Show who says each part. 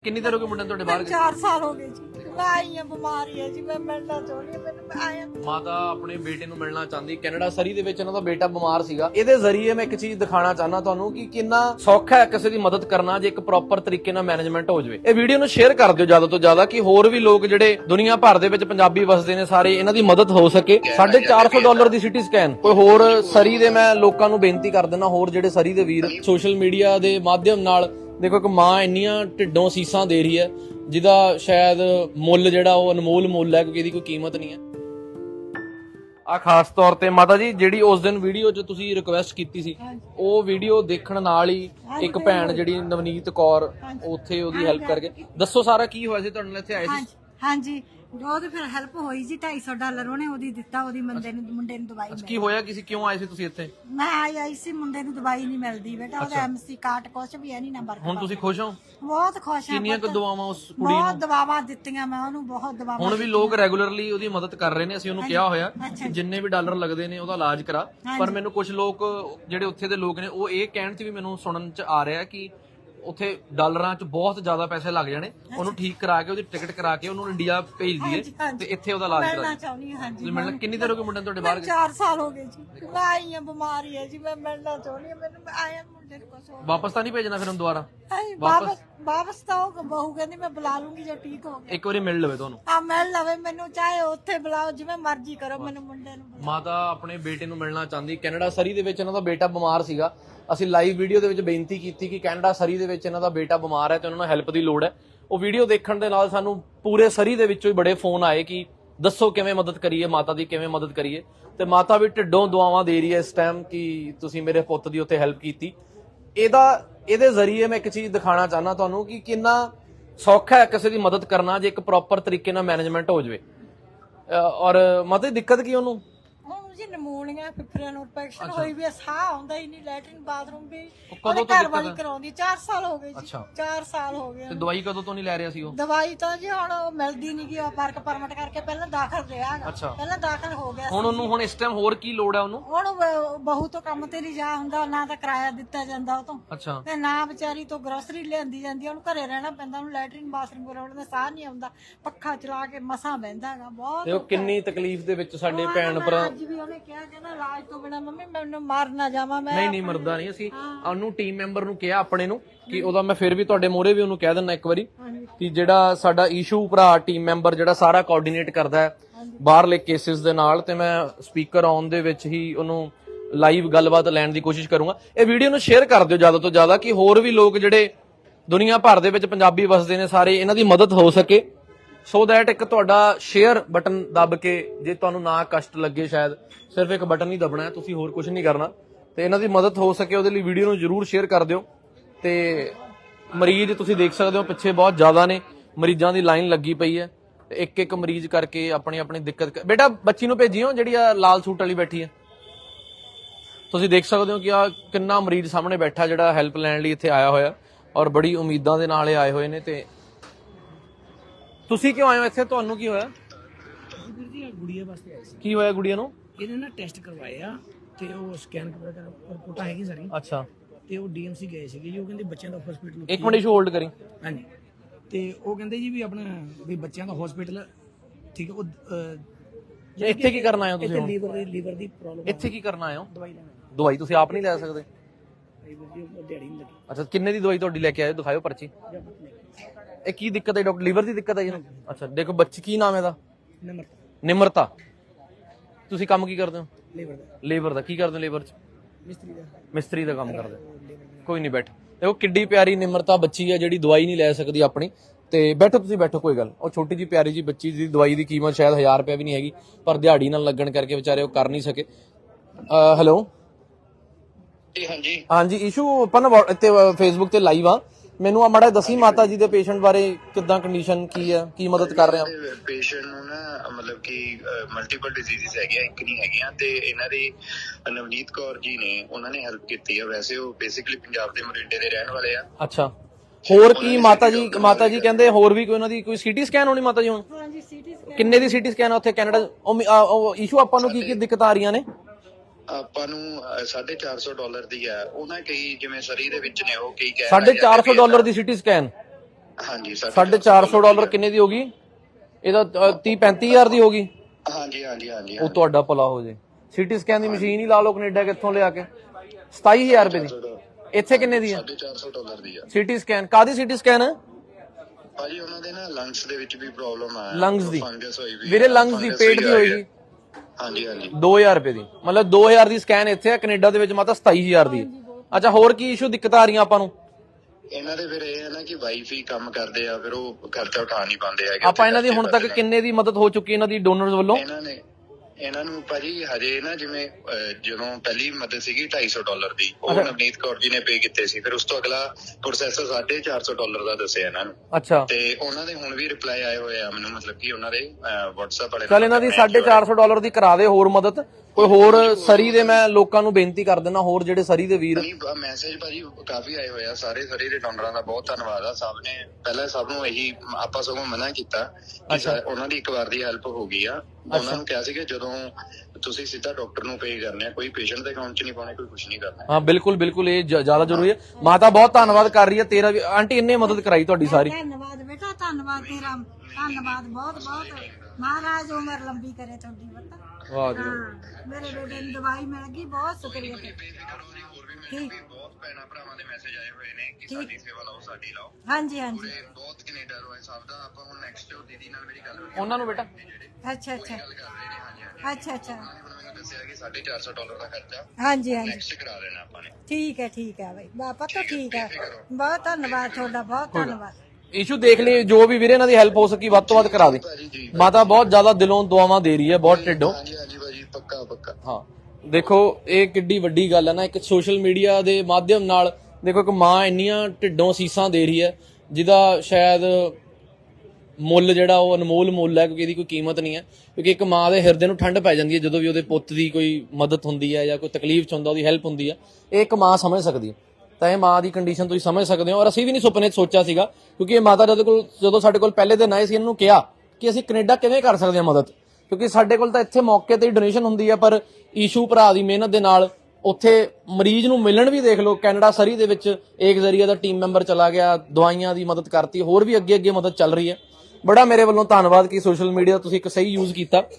Speaker 1: ਕਿੰਨੀ ਦੇਰ ਹੋ ਗਈ ਮੁੰਡੇ ਨੂੰ ਤੁਹਾਡੇ ਬਾਹਰ
Speaker 2: 4 ਸਾਲ ਹੋ ਗਏ ਜੀ। ਮੈਂ ਆਈ ਹਾਂ ਬਿਮਾਰੀ ਹੈ ਜੀ। ਮੈਂ ਮਿਲਣਾ ਚਾਹੁੰਦੀ ਹਾਂ। ਮੈਨੂੰ ਆਇਆ
Speaker 1: ਮਾਤਾ ਆਪਣੇ ਬੇਟੇ ਨੂੰ ਮਿਲਣਾ ਚਾਹੁੰਦੀ। ਕੈਨੇਡਾ ਸਰੀ ਦੇ ਵਿੱਚ ਇਹਨਾਂ ਦਾ ਬੇਟਾ ਬਿਮਾਰ ਸੀਗਾ। ਇਹਦੇ ਜ਼ਰੀਏ ਮੈਂ ਇੱਕ ਚੀਜ਼ ਦਿਖਾਣਾ ਚਾਹਨਾ ਤੁਹਾਨੂੰ ਕਿ ਕਿੰਨਾ ਸੌਖਾ ਹੈ ਕਿਸੇ ਦੀ ਮਦਦ ਕਰਨਾ ਜੇ ਇੱਕ ਪ੍ਰੋਪਰ ਤਰੀਕੇ ਨਾਲ ਮੈਨੇਜਮੈਂਟ ਹੋ ਜਾਵੇ। ਇਹ ਵੀਡੀਓ ਨੂੰ ਸ਼ੇਅਰ ਕਰ ਦਿਓ ਜ਼ਿਆਦਾ ਤੋਂ ਜ਼ਿਆਦਾ ਕਿ ਹੋਰ ਵੀ ਲੋਕ ਜਿਹੜੇ ਦੁਨੀਆ ਭਰ ਦੇ ਵਿੱਚ ਪੰਜਾਬੀ ਵਸਦੇ ਨੇ ਸਾਰੇ ਇਹਨਾਂ ਦੀ ਮਦਦ ਹੋ ਸਕੇ। $450 ਦੀ ਸਿਟੀ ਸਕੈਨ। ਕੋਈ ਹੋਰ ਸਰੀ ਦੇ ਮੈਂ ਲੋਕਾਂ ਨੂੰ ਬੇਨਤੀ ਕਰ ਦਿੰਦਾ, ਹੋਰ ਜਿਹੜੇ ਸਰੀ ਦੇ ਵੀਰ ਸੋਸ਼ਲ ਮੀਡੀਆ ਦੇ ਮਾਧਿਅਮ ਨਾਲ ਦੇਖੋ ਇੱਕ ਮਾਂ ਇੰਨੀਆਂ ਢਿੱਡੋਂ ਸੀਸਾਂ ਦੇ ਰਹੀ ਹੈ ਜਿਹਦਾ ਸ਼ਾਇਦ ਮੁੱਲ ਜਿਹੜਾ ਉਹ ਅਨਮੋਲ ਮੁੱਲ ਹੈ ਕਿਉਂਕਿ ਇਹਦੀ ਕੋਈ ਕੀਮਤ ਨਹੀਂ ਹੈ। ਆ ਖਾਸ ਤੌਰ ਤੇ ਮਾਤਾ ਜੀ ਜਿਹੜੀ ਉਸ ਦਿਨ ਵੀਡੀਓ 'ਚ ਤੁਸੀਂ ਰਿਕੁਐਸਟ ਕੀਤੀ ਸੀ ਉਹ ਵੀਡੀਓ ਦੇਖਣ ਨਾਲ ਹੀ ਇੱਕ ਭੈਣ ਜਿਹੜੀ ਨਵਨੀਤ ਕੌਰ ਉੱਥੇ ਉਹਦੀ ਹੈਲਪ ਕਰਕੇ ਦੱਸੋ ਸਾਰਾ ਕੀ ਹੋਇਆ ਸੀ ਤੁਹਾਡੇ ਨਾਲ ਇੱਥੇ ਆਏ ਸੀ।
Speaker 2: ਹਾਂਜੀ ਉਹਦੀ ਫਿਰ ਹੈਲਪ ਹੋਈ ਜੀ। $250 ਉਹਨੇ ਉਹਦੀ ਦਿੱਤਾ। ਉਹਦੀ ਮੁੰਡੇ ਨੂੰ ਦਵਾਈ
Speaker 1: ਕੀ ਹੋਇਆ ਕਿਸੇ ਕਿਉਂ ਆਏ ਸੀ ਤੁਸੀਂ ਇੱਥੇ?
Speaker 2: ਮੈਂ ਆਈ ਸੀ ਮੁੰਡੇ ਨੂੰ ਦਵਾਈ ਨਹੀਂ ਮਿਲਦੀ ਬੇਟਾ। ਉਹਦਾ ਐਮਸੀ ਕਾਰਡ ਕੁਛ ਵੀ ਹੈ ਨਹੀਂ ਨੰਬਰ।
Speaker 1: ਹੁਣ ਤੁਸੀਂ ਖੁਸ਼ ਹੋ?
Speaker 2: ਬਹੁਤ ਖੁਸ਼ ਹਾਂ।
Speaker 1: ਕਿੰਨੀਆਂ ਕੁ ਦੁਆਵਾਂ ਉਸ ਕੁੜੀ
Speaker 2: ਬਹੁਤ
Speaker 1: ਨੂੰ?
Speaker 2: ਦਵਾਵਾਂ ਦਿੱਤੀਆਂ ਮੈਂ ਉਹਨੂੰ, ਬਹੁਤ ਦਵਾਵਾਂ।
Speaker 1: ਹੁਣ ਵੀ ਲੋਕ ਰੈਗੂਲਰਲੀ ਉਹਦੀ ਮਦਦ ਕਰ ਰਹੇ ਨੇ। ਅਸੀਂ ਉਹਨੂੰ ਕਿਹਾ ਹੋਇਆ ਕਿ ਜਿੰਨੇ ਵੀ ਡਾਲਰ ਲੱਗਦੇ ਨੇ ਉਹਦਾ ਇਲਾਜ ਕਰਾ। ਪਰ ਮੈਨੂੰ ਕੁਝ ਲੋਕ ਜਿਹੜੇ ਉੱਥੇ ਦੇ ਲੋਕ ਨੇ ਉਹ ਇਹ ਕਹਿਣ 'ਚ ਵੀ ਮੈਨੂੰ ਸੁਣਨ 'ਚ ਆ ਰਿਹਾ ਕਿ ਉੱਥੇ ਡਾਲਰਾਂ 'ਚ ਬਹੁਤ ਜ਼ਿਆਦਾ ਪੈਸੇ ਲੱਗ ਜਾਣੇ। ਉਹਨੂੰ ਠੀਕ ਕਰਾ ਕੇ ਉਹਦੀ ਟਿਕਟ ਕਰਾ ਕੇ ਉਹਨੂੰ ਇੰਡੀਆ ਭੇਜ ਦਈਏ ਤੇ ਇੱਥੇ ਉਹਦਾ ਇਲਾਜ ਕਰਾ।
Speaker 2: ਮਿਲਣਾ ਚਾਹੁੰਦੀ ਹਾਂ ਜੀ।
Speaker 1: ਮਿਲਣਾ ਕਿੰਨੀ ਦੇਰ ਹੋ ਗਈ ਮੁੰਡੇ ਨੂੰ ਤੁਹਾਡੇ ਬਾਹਰ?
Speaker 2: 4 ਸਾਲ ਹੋ ਗਏ ਜੀ। ਮੈਂ ਆਈ ਹਾਂ ਬਿਮਾਰੀ ਹੈ ਜੀ। ਮੈਂ ਮਿਲਣਾ ਚਾਹੁੰਦੀ ਹਾਂ। ਮੈਨੂੰ ਆਇਆ ਮੁੰਡੇ ਨੂੰ ਕੁਛ ਹੋ
Speaker 1: ਵਾਪਸ ਤਾਂ ਨਹੀਂ ਭੇਜਣਾ ਫਿਰ ਉਹਨੂੰ ਦੁਬਾਰਾ?
Speaker 2: ਵਾਪਸ ਤਾਂ ਉਹ ਬਹੂ ਕਹਿੰਦੀ ਮੈਂ ਬੁਲਾ ਲੂੰਗੀ ਜੇ ਠੀਕ ਹੋ ਗਿਆ।
Speaker 1: ਇੱਕ ਵਾਰੀ ਮਿਲ ਲਵੇ ਤੁਹਾਨੂੰ।
Speaker 2: ਆ ਮਿਲ ਲਵੇ ਮੈਨੂੰ, ਚਾਹੇ ਉੱਥੇ ਬੁਲਾਓ ਜਿਵੇਂ ਮਰਜ਼ੀ ਕਰੋ। ਮੈਨੂੰ ਮੁੰਡੇ ਨੂੰ
Speaker 1: ਮਾਤਾ ਆਪਣੇ ਬੇਟੇ ਨੂੰ ਮਿਲਣਾ ਚਾਹੁੰਦੀ। ਕੈਨੇਡਾ ਸਰੀ ਦੇ ਵਿੱਚ ਇਹਨਾਂ ਦਾ ਬੇਟਾ ਬਿਮਾਰ ਸੀਗਾ। ਅਸੀਂ ਲਾਈਵ ਵੀਡੀਓ ਦੇ ਵਿੱਚ ਬੇਨਤੀ ਕੀਤੀ ਕਿ ਕੈਨੇਡਾ ਸਰੀ ਦੇ ਵਿੱਚ ਇਹਨਾਂ ਦਾ ਬੇਟਾ ਬਿਮਾਰ ਹੈ ਤੇ ਉਹਨਾਂ ਨੂੰ ਹੈਲਪ ਦੀ ਲੋੜ ਹੈ। ਉਹ ਵੀਡੀਓ ਦੇਖਣ ਦੇ ਨਾਲ ਸਾਨੂੰ ਪੂਰੇ ਸਰੀ ਦੇ ਵਿੱਚੋਂ ਹੀ ਬੜੇ ਫੋਨ ਆਏ ਕਿ ਦੱਸੋ ਕਿਵੇਂ ਮਦਦ ਕਰੀਏ, ਮਾਤਾ ਦੀ ਕਿਵੇਂ ਮਦਦ ਕਰੀਏ। ਤੇ ਮਾਤਾ ਵੀ ਢਿੱਡੋਂ ਦੁਆਵਾਂ ਦੇ ਰਹੀ ਹੈ ਇਸ ਟਾਈਮ ਕਿ ਤੁਸੀਂ ਮੇਰੇ ਪੁੱਤ ਦੀ ਉੱਥੇ ਹੈਲਪ ਕੀਤੀ। ਇਹਦੇ ਜ਼ਰੀਏ ਮੈਂ ਇੱਕ ਚੀਜ਼ ਦਿਖਾਣਾ ਚਾਹਨਾ ਤੁਹਾਨੂੰ ਕਿ ਕਿੰਨਾ ਸੌਖਾ ਹੈ ਕਿਸੇ ਦੀ ਮਦਦ ਕਰਨਾ ਜੇ ਇੱਕ ਪ੍ਰੋਪਰ ਤਰੀਕੇ ਨਾਲ ਮੈਨੇਜਮੈਂਟ ਹੋ ਜਾਵੇ। ਔਰ ਮਾਤਾ ਦੀ ਦਿੱਕਤ ਕੀ ਉਹਨੂੰ?
Speaker 2: ਜੀ ਨਮੂਨੀਆ, ਫਿਫਰਿਆਂ ਨੂੰ ਇਨਫੈਕਸ਼ਨ ਹੋਈ ਵੀ, ਸਾਹ ਆਉਂਦਾ ਹੀ ਨਹੀਂ, ਲੈਟਰਿਨ ਬਾਥਰੂਮ ਵੀ
Speaker 1: ਕਦੋਂ ਤੋਂ
Speaker 2: ਘਰ ਵਾਲੀ ਕਰਾਉਂਦੀ। 4 ਸਾਲ ਹੋ ਗਏ ਜੀ।
Speaker 1: ਅੱਛਾ
Speaker 2: 4 ਸਾਲ ਹੋ ਗਏ।
Speaker 1: ਤੇ ਦਵਾਈ ਕਦੋਂ ਤੋਂ ਨਹੀਂ ਲੈ ਰਿਹਾ ਸੀ ਉਹ?
Speaker 2: ਦਵਾਈ ਤਾਂ ਜੀ ਹੁਣ ਉਹ ਮਿਲਦੀ ਨਹੀਂ ਗਈ। ਵਰਕ ਪਰਮਿਟ ਕਰਕੇ ਪਹਿਲਾਂ ਦਾਖਲ ਰਿਹਾ। ਪਹਿਲਾਂ ਦਾਖਲ ਹੋ ਗਿਆ।
Speaker 1: ਹੁਣ ਇਸ ਟਾਈਮ ਹੋਰ ਕੀ ਲੋੜ ਹੈ ਉਹਨੂੰ?
Speaker 2: ਹੁਣ ਬਹੂ ਤੋਂ ਕੰਮ ਤੇ ਨਹੀਂ ਜਾ ਹੁੰਦਾ, ਨਾ ਤਾਂ ਕਿਰਾਇਆ ਦਿੱਤਾ ਜਾਂਦਾ ਉਹ ਤੋਂ।
Speaker 1: ਅੱਛਾ।
Speaker 2: ਤੇ ਨਾ ਵਿਚਾਰੀ ਤੋਂ ਗਰੋਸਰੀ ਲਿਆਂਦੀ ਜਾਂਦੀ। ਉਹਨੂੰ ਘਰੇ ਰਹਿਣਾ ਪੈਂਦਾ। ਉਹਨੂੰ ਲੈਟਰਿਨ ਬਾਥਰੂਮ ਕਰਾਉਣ ਦਾ ਸਾਹ ਨਹੀਂ ਆਉਂਦਾ। ਪੱਖਾ ਚਲਾ ਕੇ ਮਸਾਂ ਬਹਿੰਦਾ ਹੈਗਾ। ਬਹੁਤ
Speaker 1: ਤੇ ਉਹ ਕਿੰਨੀ ਤਕਲੀਫ ਦੇ ਵਿੱਚ ਸਾਡੇ ਭੈਣ ਭਰਾ।
Speaker 2: ਅੱਜ ਵੀ ਉਹਨੇ ਕਿਹਾ ਕਹਿੰਦਾ ਇਲਾਜ ਤੋਂ ਬਿਨਾ ਮੰਮੀ ਮੈਨੂੰ ਮਾਰ ਨਾ ਜਾਵਾਂ। ਮੈਂ
Speaker 1: ਨਹੀਂ ਮਰਦਾ ਨਹੀਂ। ਅਸੀਂ ਉਹਨੂੰ ਟੀਮ ਮੈਂਬਰ ਨੂੰ ਕਿਹਾ ਆਪਣੇ ਨੂੰ ਕਿ ਉਹਦਾ ਮੈਂ ਫਿਰ ਵੀ ਤੁਹਾਡੇ ਮੋਹਰੇ ਵੀ ਉਹਨੂੰ ਕਹਿ ਦਿੰਦਾ ਇੱਕ ਵਾਰੀ ਕਿ ਜਿਹੜਾ ਸਾਡਾ ਇਸ਼ੂ ਭਰਾ ਟੀਮ ਮੈਂਬਰ ਜਿਹੜਾ ਸਾਰਾ ਕੋਆਰਡੀਨੇਟ ਕਰਦਾ ਹੈ ਬਾਹਰਲੇ ਕੇਸਿਸ ਦੇ ਨਾਲ, ਤੇ ਮੈਂ ਸਪੀਕਰ ਆਨ ਦੇ ਵਿੱਚ ਹੀ ਉਹਨੂੰ ਲਾਈਵ ਗੱਲਬਾਤ ਲੈਣ ਦੀ ਕੋਸ਼ਿਸ਼ ਕਰੂੰਗਾ। ਇਹ ਵੀਡੀਓ ਨੂੰ ਸ਼ੇਅਰ ਕਰ ਦਿਓ ਜ਼ਿਆਦਾ ਤੋਂ ਜ਼ਿਆਦਾ ਕਿ ਹੋਰ ਵੀ ਲੋਕ ਜਿਹੜੇ ਦੁਨੀਆ ਭਰ ਦੇ ਵਿੱਚ ਪੰਜਾਬੀ ਵਸਦੇ ਨੇ ਸਾਰੇ ਇਹਨਾਂ ਦੀ ਮਦਦ ਹੋ ਸਕੇ। ਸੋ ਦੈਟ ਇੱਕ ਤੁਹਾਡਾ ਸ਼ੇਅਰ ਬਟਨ ਦੱਬ ਕੇ, ਜੇ ਤੁਹਾਨੂੰ ਨਾ ਕਸ਼ਟ ਲੱਗੇ, ਸ਼ਾਇਦ ਸਿਰਫ ਇੱਕ ਬਟਨ ਹੀ ਦਬਣਾ ਹੈ, ਤੁਸੀਂ ਹੋਰ ਕੁਝ ਨਹੀਂ ਕਰਨਾ, ਤੇ ਇਹਨਾਂ ਦੀ ਮਦਦ ਹੋ ਸਕੇ ਉਹਦੇ ਲਈ ਵੀਡੀਓ ਨੂੰ ਜਰੂਰ ਸ਼ੇਅਰ ਕਰ ਦਿਓ। ਤੇ ਮਰੀਜ਼ ਤੁਸੀਂ ਦੇਖ ਸਕਦੇ ਹੋ ਪਿੱਛੇ ਬਹੁਤ ਜ਼ਿਆਦਾ ਨੇ, ਮਰੀਜ਼ਾਂ ਦੀ ਲਾਈਨ ਲੱਗੀ ਪਈ ਹੈ ਤੇ ਇੱਕ ਇੱਕ ਮਰੀਜ਼ ਕਰਕੇ ਆਪਣੀ ਆਪਣੀ ਦਿੱਕਤ। ਬੇਟਾ ਬੱਚੀ ਨੂੰ ਭੇਜਿਓ ਜਿਹੜੀ ਆ ਲਾਲ ਸੂਟ ਵਾਲੀ ਬੈਠੀ ਹੈ। ਤੁਸੀਂ ਦੇਖ ਸਕਦੇ ਹੋ ਕਿ ਆ ਕਿੰਨਾ ਮਰੀਜ਼ ਸਾਹਮਣੇ ਬੈਠਾ ਜਿਹੜਾ ਹੈਲਪ ਲੈਣ ਲਈ ਇੱਥੇ ਆਇਆ ਹੋਇਆ ਔਰ ਬੜੀ ਉਮੀਦਾਂ ਦੇ ਨਾਲ ਇਹ ਆਏ ਹੋਏ ਨੇ। ਤੇ ਤੁਸੀਂ ਕਿਉਂ ਆਏ ਹੋ ਇੱਥੇ? ਤੁਹਾਨੂੰ ਕੀ ਹੋਇਆ?
Speaker 3: ਗੁੜੀਆ ਵਾਸਤੇ ਆਏ ਸੀ।
Speaker 1: ਕੀ ਹੋਇਆ ਗੁੜੀਆ ਨੂੰ?
Speaker 3: ਇਹਨੇ ਨਾ ਟੈਸਟ ਕਰਵਾਏ ਆ ਤੇ ਉਹ ਸਕੈਨ ਕਰਾ ਰਿਪੋਰਟਾਂ ਹੈਗੀ ਸਾਰੀ।
Speaker 1: ਅੱਛਾ।
Speaker 3: ਤੇ ਉਹ ਡੀਐਮਸੀ ਗਏ ਸੀਗੇ ਜੀ। ਉਹ ਕਹਿੰਦੇ ਬੱਚਿਆਂ ਦਾ ਹਸਪੀਟਲ।
Speaker 1: ਇੱਕ ਮਿੰਟ ਇਸ਼ੂ ਹੋਲਡ ਕਰੀ।
Speaker 3: ਹਾਂਜੀ। ਤੇ ਉਹ ਕਹਿੰਦੇ ਜੀ ਵੀ ਆਪਣਾ ਵੀ ਬੱਚਿਆਂ ਦਾ ਹਸਪੀਟਲ ਠੀਕ ਹੈ। ਉਹ
Speaker 1: ਇੱਥੇ ਕੀ ਕਰਨ ਆਏ ਹੋ ਤੁਸੀਂ?
Speaker 3: ਇੱਥੇ ਲੀਵਰ ਦੀ ਪ੍ਰੋਬਲਮ।
Speaker 1: ਇੱਥੇ ਕੀ ਕਰਨ ਆਏ ਹੋ?
Speaker 3: ਦਵਾਈ ਲੈਣਾ।
Speaker 1: ਦਵਾਈ ਤੁਸੀਂ ਆਪ ਨਹੀਂ ਲੈ ਸਕਦੇ?
Speaker 3: ਦਿਹਾੜੀ ਨਹੀਂ ਲੱਗੀ।
Speaker 1: ਅੱਛਾ, ਕਿੰਨੇ ਦੀ ਦਵਾਈ ਤੁਹਾਡੀ ਲੈ ਕੇ ਆਏ? ਦਿਖਾਓ ਪਰਚੀ। ਇਹ ਕੀ ਦਿੱਕਤ ਹੈ ਡਾਕਟਰ? ਲੀਵਰ ਦੀ ਦਿੱਕਤ ਹੈ ਜੀ? ਅੱਛਾ। ਦੇਖੋ ਬੱਚੀ ਕੀ ਨਾਮ ਹੈ ਇਹਦਾ? ਨਿਮਰਤਾ। ਤੁਸੀਂ ਕੰਮ ਕੀ ਕਰਦੇ ਹੋ? ਲੇਬਰ ਦਾ। ਕੀ ਕਰਦੇ ਹੋ ਲੇਬਰ ਚ? ਮਿਸਤਰੀ ਦਾ ਕੰਮ ਕਰਦੇ ਹੋ। ਕੋਈ ਨਹੀਂ, ਬੈਠੋ। ਦੇਖੋ ਕਿੱਡੀ ਪਿਆਰੀ ਨਿਮਰਤਾ ਬੱਚੀ ਹੈ ਜਿਹੜੀ ਦਵਾਈ ਨਹੀਂ ਲੈ ਸਕਦੀ ਆਪਣੀ। ਤੇ ਬੈਠੋ, ਤੁਸੀਂ ਬੈਠੋ, ਕੋਈ ਗੱਲ। ਉਹ ਛੋਟੀ ਜੀ ਪਿਆਰੀ ਜੀ ਬੱਚੀ ਦੀ ਦਵਾਈ ਦੀ ਕੀਮਤ ਸ਼ਾਇਦ 1000 ਰੁਪਏ ਵੀ ਨਹੀਂ ਹੈਗੀ, ਪਰ ਦਿਹਾੜੀ ਨਾਲ ਲੱਗਣ ਕਰਕੇ ਵਿਚਾਰੇ ਉਹ ਕਰ ਨਹੀਂ ਸਕੇ। ਹੈਲੋ
Speaker 4: ਜੀ। ਹਾਂਜੀ
Speaker 1: ਹਾਂਜੀ ਇਸ਼ੂ ਆਪਾਂ ਨਾ ਇੱਥੇ ਫੇਸਬੁੱਕ ਤੇ ਲਾਈਵ ਆ। ਮੈਨੂੰ ਆ ਮਾੜਾ ਦੱਸੀ ਮਾਤਾ ਜੀ ਦੇ ਪੇਸ਼ੈਂਟ ਬਾਰੇ, ਕਿੱਦਾਂ ਕੰਡੀਸ਼ਨ ਕੀ ਹੈ, ਕੀ ਮਦਦ ਕਰ ਰਹੇ ਆ?
Speaker 4: ਪੇਸ਼ੈਂਟ ਨੂੰ ਨਾ ਮਤਲਬ ਕਿ ਮਲਟੀਪਲ ਡਿਜ਼ੀਜ਼ਸ ਹੈਗੀਆਂ, ਇੱਕ ਨਹੀਂ ਹੈਗੀਆਂ। ਤੇ ਇਹਨਾਂ ਦੀ ਨਵਨੀਤ ਕੌਰ ਜੀ ਨੇ ਉਹਨਾਂ ਨੇ ਹੈਲਪ ਕੀਤੀ ਆ। ਵੈਸੇ ਉਹ ਬੇਸਿਕਲੀ ਪੰਜਾਬ ਦੇ ਮੋਰਿੰਡੇ ਦੇ ਰਹਿਣ ਵਾਲੇ ਆ।
Speaker 1: ਅੱਛਾ। ਹੋਰ ਕੀ ਮਾਤਾ ਜੀ ਕਹਿੰਦੇ ਹੋਰ ਵੀ ਕੋਈ ਉਹਨਾਂ ਦੀ ਕੋਈ ਸੀਟੀ ਸਕੈਨ ਹੋਣੀ ਮਾਤਾ ਜੀ? ਹੁਣ
Speaker 2: ਹਾਂਜੀ ਸੀਟੀ ਸਕੈਨ।
Speaker 1: ਕਿੰਨੇ ਦੀ ਸੀਟੀ ਸਕੈਨ ਆ ਉੱਥੇ ਕੈਨੇਡਾ? ਇਸ਼ੂ ਆਪਾਂ ਨੂੰ ਕੀ ਦਿੱਕਤ ਆ ਰਹੀਆਂ ਨੇ?
Speaker 4: ਆਪਾਂ ਨੂੰ $450 ਦੀ ਆ। ਉਹਨਾਂ ਕਈ ਜਿਵੇਂ ਸਰੀ ਦੇ ਵਿੱਚ ਨੇ ਉਹ ਕਈ ਕਹਿ
Speaker 1: $450 ਦੀ ਸਿਟੀ ਸਕੈਨ?
Speaker 4: ਹਾਂਜੀ
Speaker 1: $450 ਕਿੰਨੇ ਦੀ ਹੋਗੀ? ਇਹਦਾ 30-35 ਹਜ਼ਾਰ ਦੀ ਹੋਗੀ।
Speaker 4: ਹਾਂਜੀ ਹਾਂਜੀ ਹਾਂਜੀ
Speaker 1: ਉਹ ਤੁਹਾਡਾ ਭਲਾ ਹੋ ਜੇ। ਸੀਟੀ ਸਕੈਨ ਦੀ ਮਸ਼ੀਨ ਹੀ ਲਾ ਲਓ ਕੈਨੇਡਾ ਕਿੱਥੋਂ ਲਿਆ ਕੇ 27000 ਰੁਪਏ ਦੀ। ਇੱਥੇ ਕਿੰਨੇ ਦੀ ਹੈ?
Speaker 4: $450 ਦੀ ਆ
Speaker 1: ਸੀਟੀ ਸਕੈਨ। ਕਾਦੀ ਸੀਟੀ ਸਕੈਨ?
Speaker 4: ਭਾਜੀ ਉਹਨਾਂ ਦੇ ਨਾ ਲੰਗਸ ਦੇ ਵਿੱਚ ਵੀ ਪ੍ਰੋਬਲਮ ਆ,
Speaker 1: ਲੰਗਸ ਦੀ
Speaker 4: ਫੰਗਸ ਹੋਈ ਵੀ
Speaker 1: ਵੀਰੇ, ਲੰਗਸ ਦੀ ਪੇਟ ਦੀ ਹੋਏਗੀ।
Speaker 4: ਹਾਂਜੀ ਹਾਂਜੀ
Speaker 1: 2000 ਰੁਪਏ ਦੀ, ਮਤਲਬ 2000 ਦੀ ਸਕੈਨ ਇੱਥੇ ਆ, ਕੈਨੇਡਾ ਦੇ ਵਿੱਚ ਮਾਤਾ 27000 ਦੀ। ਅੱਛਾ ਹੋਰ ਕੀ ਇਸ਼ੂ ਦਿੱਕਤ ਆ ਰਹੀਆਂ ਆਪਾਂ ਨੂੰ?
Speaker 4: ਇਹਨਾਂ ਦੇ ਫਿਰ ਇਹ ਹੈ ਨਾ ਕਿ ਵਾਈਫ ਹੀ ਕੰਮ ਕਰਦੇ ਆ, ਫਿਰ ਉਹ ਖਰਚਾ ਉਠਾ ਨਹੀਂ ਪਾਉਂਦੇ ਹੈਗੇ।
Speaker 1: ਆਪਾਂ ਇਹਨਾਂ ਦੀ ਹੁਣ ਤੱਕ ਕਿੰਨੇ ਦੀ ਮਦਦ ਹੋ ਚੁੱਕੀ ਇਹਨਾਂ ਦੀ ਡੋਨਰਸ ਵੱਲੋਂ?
Speaker 4: ਇਹਨਾਂ ਨੂੰ ਭਾਜੀ ਹਜੇ ਨਾ ਜਿਵੇਂ ਜਦੋਂ ਪਹਿਲੀ ਮਦਦ ਸੀਗੀ $250 ਦੀ, ਉਹ ਨਵਨੀਤ ਕੌਰ ਜੀ ਨੇ ਪੇ ਕੀਤੇ ਸੀ। ਫਿਰ ਉਸ ਤੋਂ ਅਗਲਾ ਪ੍ਰੋਸੈਸ $450 ਦਾ ਦੱਸਿਆ ਇਹਨਾਂ ਨੂੰ।
Speaker 1: ਅੱਛਾ
Speaker 4: ਤੇ ਉਹਨਾਂ ਦੇ ਹੁਣ ਵੀ ਰਿਪਲਾਈ ਆਏ ਹੋਏ ਆ ਮੈਨੂੰ, ਮਤਲਬ ਕਿ ਉਹਨਾਂ ਦੇ WhatsApp ਵਾਲੇ
Speaker 1: ਚੱਲ ਇਹਨਾਂ ਦੀ $450 ਦੀ ਕਰਾ ਦੇ ਹੋਰ ਮਦਦ। ਕੋਈ ਹੋਰ ਸਰੀ ਦੇ ਮੈਂ ਲੋਕਾਂ ਨੂੰ ਬੇਨਤੀ ਕਰ ਦਿੰਦਾ, ਹੋਰ ਜਿਹੜੇ ਸਰੀ ਦੇ ਵੀਰ।
Speaker 4: ਮੈਸੇਜ ਭਾਜੀ ਕਾਫੀ ਆਏ ਹੋਏ ਆ, ਸਾਰੇ ਸਰੀ ਦੇ ਡੋਨਰਾਂ ਦਾ ਬਹੁਤ ਧੰਨਵਾਦ ਆ। ਸਭ ਨੇ ਪਹਿਲਾਂ ਸਭ ਨੂੰ ਇਹੀ ਆਪਾਂ ਸਗੋਂ ਮਨਾ ਕੀਤਾ ਕਿ ਉਹਨਾਂ ਦੀ ਇੱਕ ਵਾਰ ਦੀ ਹੈਲਪ ਹੋ ਗਈ ਆ। ਉਹਨਾਂ ਨੂੰ ਕਿਹਾ ਸੀ ਕਿ ਜਦੋਂ ਤੁਸੀਂ ਸਿੱਧਾ ਡਾਕਟਰ ਨੂੰ ਪੇ ਕਰਨੇ ਆ, ਕੋਈ ਪੇਸ਼ੈਂਟ ਦੇ ਅਕਾਊਂਟ 'ਚ ਨਹੀਂ ਪਾਉਣੇ, ਕੋਈ ਕੁਝ ਨਹੀਂ ਕਰਨਾ।
Speaker 1: ਹਾਂ ਬਿਲਕੁਲ ਬਿਲਕੁਲ, ਇਹ ਜ਼ਿਆਦਾ ਜ਼ਰੂਰੀ ਹੈ। ਮਾਤਾ ਬਹੁਤ ਧੰਨਵਾਦ ਕਰ ਰਹੀ ਹੈ ਤੇਰਾ ਵੀ। ਆਂਟੀ ਇੰਨੇ ਮਦਦ ਕਰਾਈ ਤੁਹਾਡੀ ਸਾਰੀ।
Speaker 2: ਧੰਨਵਾਦ ਬੇਟਾ, ਧੰਨਵਾਦ ਤੇਰਾ, ਧੰਨਵਾਦ ਬਹੁਤ ਬਹੁਤ। ਮਹਾਰਾਜ ਉਮਰ ਲੰਬੀ ਕਰੇ ਤੁਹਾਡੀ ਬਤਾ।
Speaker 1: ਵਾਹ ਜੀ
Speaker 2: ਮੇਰੇ ਬੇਟੇ ਨੂੰ ਦਵਾਈ ਮਿਲ ਗਈ, ਬਹੁਤ ਸ਼ੁਕਰੀਆ। ਠੀਕ,
Speaker 4: ਬਹੁਤ ਭੈਣਾਂ ਭਰਾਵਾਂ ਦੇ ਮੈਸੇਜ ਆਏ ਹੋਏ ਨੇ ਕਿ ਸਾਡੀ ਸੇਵਾ ਲਾਓ, ਸਾਡੀ ਲਾਓ।
Speaker 2: ਹਾਂਜੀ ਹਾਂਜੀ
Speaker 4: ਬਹੁਤ ਕੈਨੇਡਾ ਰੋਏ ਸਾਹਿਬ ਦਾ ਆਪਾਂ ਹੁਣ ਨੈਕਸਟ ਦੀਦੀ ਨਾਲ ਮੇਰੀ ਗੱਲ ਹੋਈ,
Speaker 1: ਉਹਨਾਂ ਨੂੰ ਬੇਟਾ।
Speaker 2: ਅੱਛਾ ਅੱਛਾ ਅੱਛਾ ਅੱਛਾ
Speaker 4: ਮੈਨੂੰ ਦੱਸਿਆ ਕਿ $450 ਦਾ ਖਰਚਾ
Speaker 2: ਹਾਂਜੀ ਹਾਂਜੀ
Speaker 4: ਨੈਕਸਟ ਕਰਾ ਲੈਣਾ ਆਪਾਂ ਨੇ।
Speaker 2: ਠੀਕ ਹੈ ਬਈ ਬਾਪਾ, ਤਾਂ ਠੀਕ ਹੈ। ਬਹੁਤ ਧੰਨਵਾਦ ਤੁਹਾਡਾ, ਬਹੁਤ ਧੰਨਵਾਦ।
Speaker 1: ਇਸ਼ੂ ਦੇਖ ਲਈ, ਜੋ ਵੀ ਵੀਰੇ ਇਹਨਾਂ ਦੀ ਹੈਲਪ ਹੋ ਸਕੀ ਵੱਧ ਤੋਂ ਵੱਧ ਕਰਾ ਦੇ। ਮਾਤਾ ਬਹੁਤ ਜ਼ਿਆਦਾ ਦਿਲੋਂ ਦੁਆਵਾਂ ਦੇ ਰਹੀ ਹੈ, ਬਹੁਤ ਢਿੱਡੋਂ।
Speaker 4: ਹਾਂਜੀ ਹਾਂਜੀ ਭਾਜੀ, ਪੱਕਾ ਪੱਕਾ।
Speaker 1: ਹਾਂ ਦੇਖੋ ਇਹ ਕਿੱਡੀ ਵੱਡੀ ਗੱਲ ਹੈ ਨਾ, ਇੱਕ ਸੋਸ਼ਲ ਮੀਡੀਆ ਦੇ ਮਾਧਿਅਮ ਨਾਲ ਦੇਖੋ ਇੱਕ ਮਾਂ ਇੰਨੀਆਂ ਢਿੱਡੋਂ ਅਸੀਸਾਂ ਦੇ ਰਹੀ ਹੈ ਜਿਹਦਾ ਸ਼ਾਇਦ ਮੁੱਲ ਜਿਹੜਾ ਉਹ ਅਨਮੋਲ ਮੁੱਲ ਹੈ, ਕਿਉਂਕਿ ਇਹਦੀ ਕੋਈ ਕੀਮਤ ਨਹੀਂ ਹੈ। ਕਿਉਂਕਿ ਇੱਕ ਮਾਂ ਦੇ ਹਿਰਦੇ ਨੂੰ ਠੰਡ ਪੈ ਜਾਂਦੀ ਹੈ ਜਦੋਂ ਵੀ ਉਹਦੇ ਪੁੱਤ ਦੀ ਕੋਈ ਮਦਦ ਹੁੰਦੀ ਹੈ ਜਾਂ ਕੋਈ ਤਕਲੀਫ 'ਚ ਹੁੰਦਾ ਉਹਦੀ ਹੈਲਪ ਹੁੰਦੀ ਹੈ। ਇਹ ਇੱਕ ਮਾਂ ਸਮਝ ਸਕਦੀ ਹੈ, ਤਾਂ ਇਹ ਮਾਂ ਦੀ ਕੰਡੀਸ਼ਨ ਤੁਸੀਂ ਸਮਝ ਸਕਦੇ ਹੋ। ਔਰ ਅਸੀਂ ਵੀ ਨਹੀਂ ਸੁਪਨੇ 'ਚ ਸੋਚਿਆ ਸੀਗਾ, ਕਿਉਂਕਿ ਇਹ ਮਾਤਾ ਜਦੋਂ ਸਾਡੇ ਕੋਲ ਪਹਿਲੇ ਦਿਨ ਆਏ ਸੀ, ਇਹਨਾਂ ਨੂੰ ਕਿਹਾ ਕਿ ਅਸੀਂ ਕੈਨੇਡਾ ਕਿਵੇਂ ਕਰ ਸਕਦੇ ਹਾਂ ਮਦਦ, ਕਿਉਂਕਿ ਸਾਡੇ ਕੋਲ ਤਾਂ ਇੱਥੇ ਮੌਕੇ ਤੇ ਹੀ ਡੋਨੇਸ਼ਨ ਹੁੰਦੀ ਹੈ। ਪਰ ਈਸ਼ੂ ਭਰਾ ਦੀ ਮਿਹਨਤ ਦੇ ਨਾਲ ਉੱਥੇ ਮਰੀਜ਼ ਨੂੰ ਮਿਲਣ ਵੀ ਦੇਖ ਲਓ, ਕੈਨੇਡਾ ਸਰੀ ਦੇ ਵਿੱਚ ਏਕ ਜ਼ਰੀਆ ਦਾ ਟੀਮ ਮੈਂਬਰ ਚਲਾ ਗਿਆ, ਦਵਾਈਆਂ ਦੀ ਮਦਦ ਕਰਤੀ, ਹੋਰ ਵੀ ਅੱਗੇ ਅੱਗੇ ਮਦਦ ਚੱਲ ਰਹੀ ਹੈ। ਬੜਾ ਮੇਰੇ ਵੱਲੋਂ ਧੰਨਵਾਦ ਕਿ ਸੋਸ਼ਲ ਮੀਡੀਆ ਤੁਸੀਂ ਇੱਕ ਸਹੀ ਯੂਜ਼ ਕੀਤਾ।